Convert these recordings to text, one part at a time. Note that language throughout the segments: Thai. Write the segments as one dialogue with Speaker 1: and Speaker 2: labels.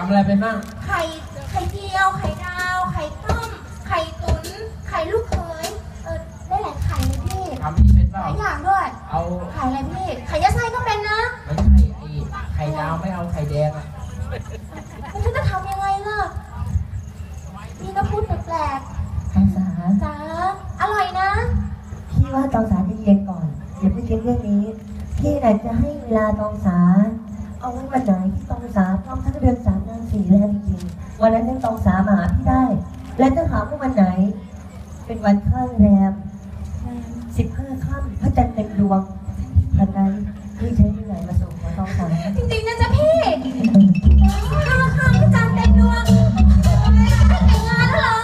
Speaker 1: ำอะไรเป็นบ้าง
Speaker 2: ไข่เจียวไข่ดาวไข่ต้มไข่ตุ๋นไข่ลูกเขยได้หลายไข่เลยพี่
Speaker 1: ทำนี่เป็นเปล่า
Speaker 2: หลายอย่างด้วย
Speaker 1: เอา
Speaker 2: ไข่อะไรพี่ไข่ยัดไส้ก็เป็นนะ
Speaker 1: ไม่ใช่ไข่ดาวไม่เอาไข่แดงอ่ะ
Speaker 2: แล้วฉันจะทำยังไงล่ะพี่ก็พูดแปลก
Speaker 3: ตองสา
Speaker 2: จ๋าอร่อยนะ
Speaker 3: พี่ว่าตองสาจะเย็นก่อนอย่าเพิ่งคิดเรื่องนี้พี่น่ะจะให้เวลาตองสาเอาไว้วันไหนที่ตองสาพร้อมทั้งเดือน3 เดือน 4แล้วจริงๆวันนั้นตองสามาหาพี่ได้และถ้าหากว่าวันไหนเป็นวันข้างแรม15 ค่ำพระจันทร์เต็มดวงทันใดพี่ใช้เมื่อไหร่มาส่งมาตองสา
Speaker 2: จริงๆนะจ๊ะพี่ข้าวข้าวพระจันทร์เต็มดวงแต่งงานแล้วเหรอ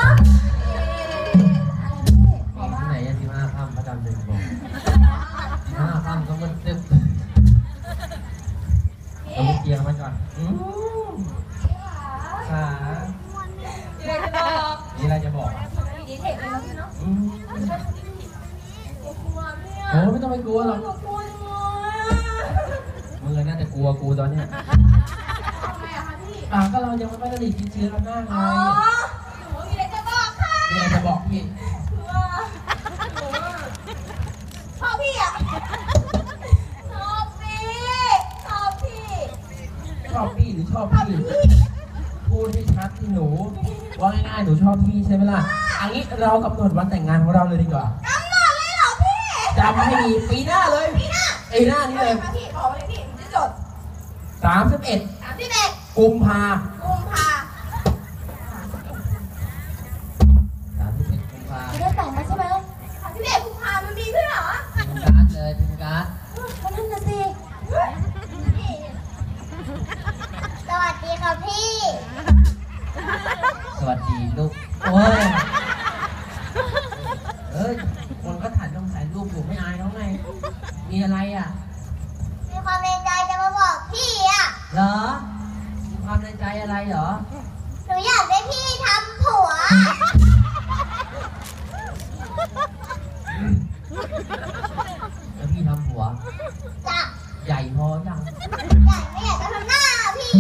Speaker 1: ที่ไหน15 ค่ำพระจันทร์เต็มดวง15 ค่ำก็มันตึ๊บเอาเกียร์มาก่อนขามีอะไรจะบอก
Speaker 2: ดีเทคเลยนะพี่เนาะ
Speaker 1: โอ้ไม่ต้องไปกลัวหรอกมึงน่าจะกลัวกูตอนเนี้ย
Speaker 2: ทำไมอะคะพี่
Speaker 1: ก็เรายังไม่ได้สนิทชิดเชื้อกันมากไง
Speaker 2: หนูมีอะไรจะบอกค่ะ
Speaker 1: มีอะไรจะบอกพี่
Speaker 2: ชอบพี่อะชอบพี่
Speaker 1: ชอบพี่หรือชอบพี่พูดให้ชัดที่หนูว่าง่ายๆหนูชอบพี่ใช่ไหมล่ะอันนี้เรากำหนดวันแต่งงานของเราเลยดีกว่าก
Speaker 2: ำหนดเลยเหรอพี่
Speaker 1: จำให้ดีปีหน้าเลยปีหน้านี้เลย
Speaker 2: พี่บอกเลยพี่จะจด
Speaker 1: 31 กุมภา
Speaker 2: จะได้แต่งแล้วใช่ไหม31 กุมภามันมีด้วยเหรอ
Speaker 1: ทีมการ์ดเลยทีมการ์ด
Speaker 2: ก็นั่นน่ะสิสวัสดีค่ะพี่
Speaker 1: สวัสดีลูกโอ้ยคนก็ถ่ายต้องถ่ายรูปอยู่ไม่อายเขาไงมีอะไรอ่ะ
Speaker 2: มีความในใจจะมาบอกพี่อ่ะ
Speaker 1: เหรอมีความในใจอะไรเหรอ
Speaker 2: หนูอยากได้พี่ทำผัว
Speaker 1: แล้วพี่ทำผัว
Speaker 2: จ้ะ
Speaker 1: ใหญ่พอยัง
Speaker 2: ใหญ่ไม่อยากจะทำหน้าพี่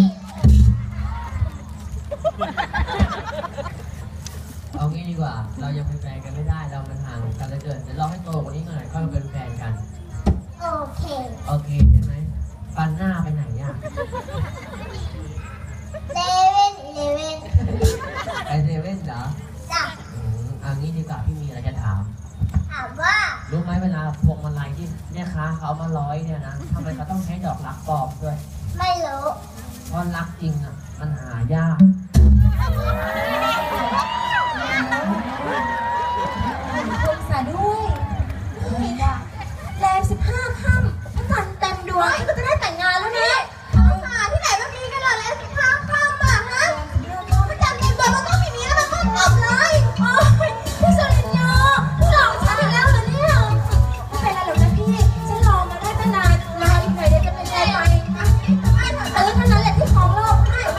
Speaker 1: เอางี้ดีกว่าเรายังเป็นแฟนกันไม่ได้เรามันห่างกันเหลือเกินเดี๋ยวรอให้โตกว่านี้หน่อยก็เป็นแฟนกัน
Speaker 2: โอเค
Speaker 1: ใช่ไหมฟันหน้าไปไหนอ่ะ
Speaker 2: เซเว่น
Speaker 1: ไปเซเว่นเหรอ
Speaker 2: จ้ะ
Speaker 1: เอางี้ดีกว่าพี่มีอะไรจะถาม
Speaker 2: ว่า
Speaker 1: รู้ไหมเวลาพวงมาลัยที่เนี่ยค้าเขามาร้อยเนี่ยนะทำไมเขาต้องใช้ดอกรักปลอมด้วย
Speaker 2: ไม่รู้
Speaker 1: เพราะรักจริงอ่ะมันหายาก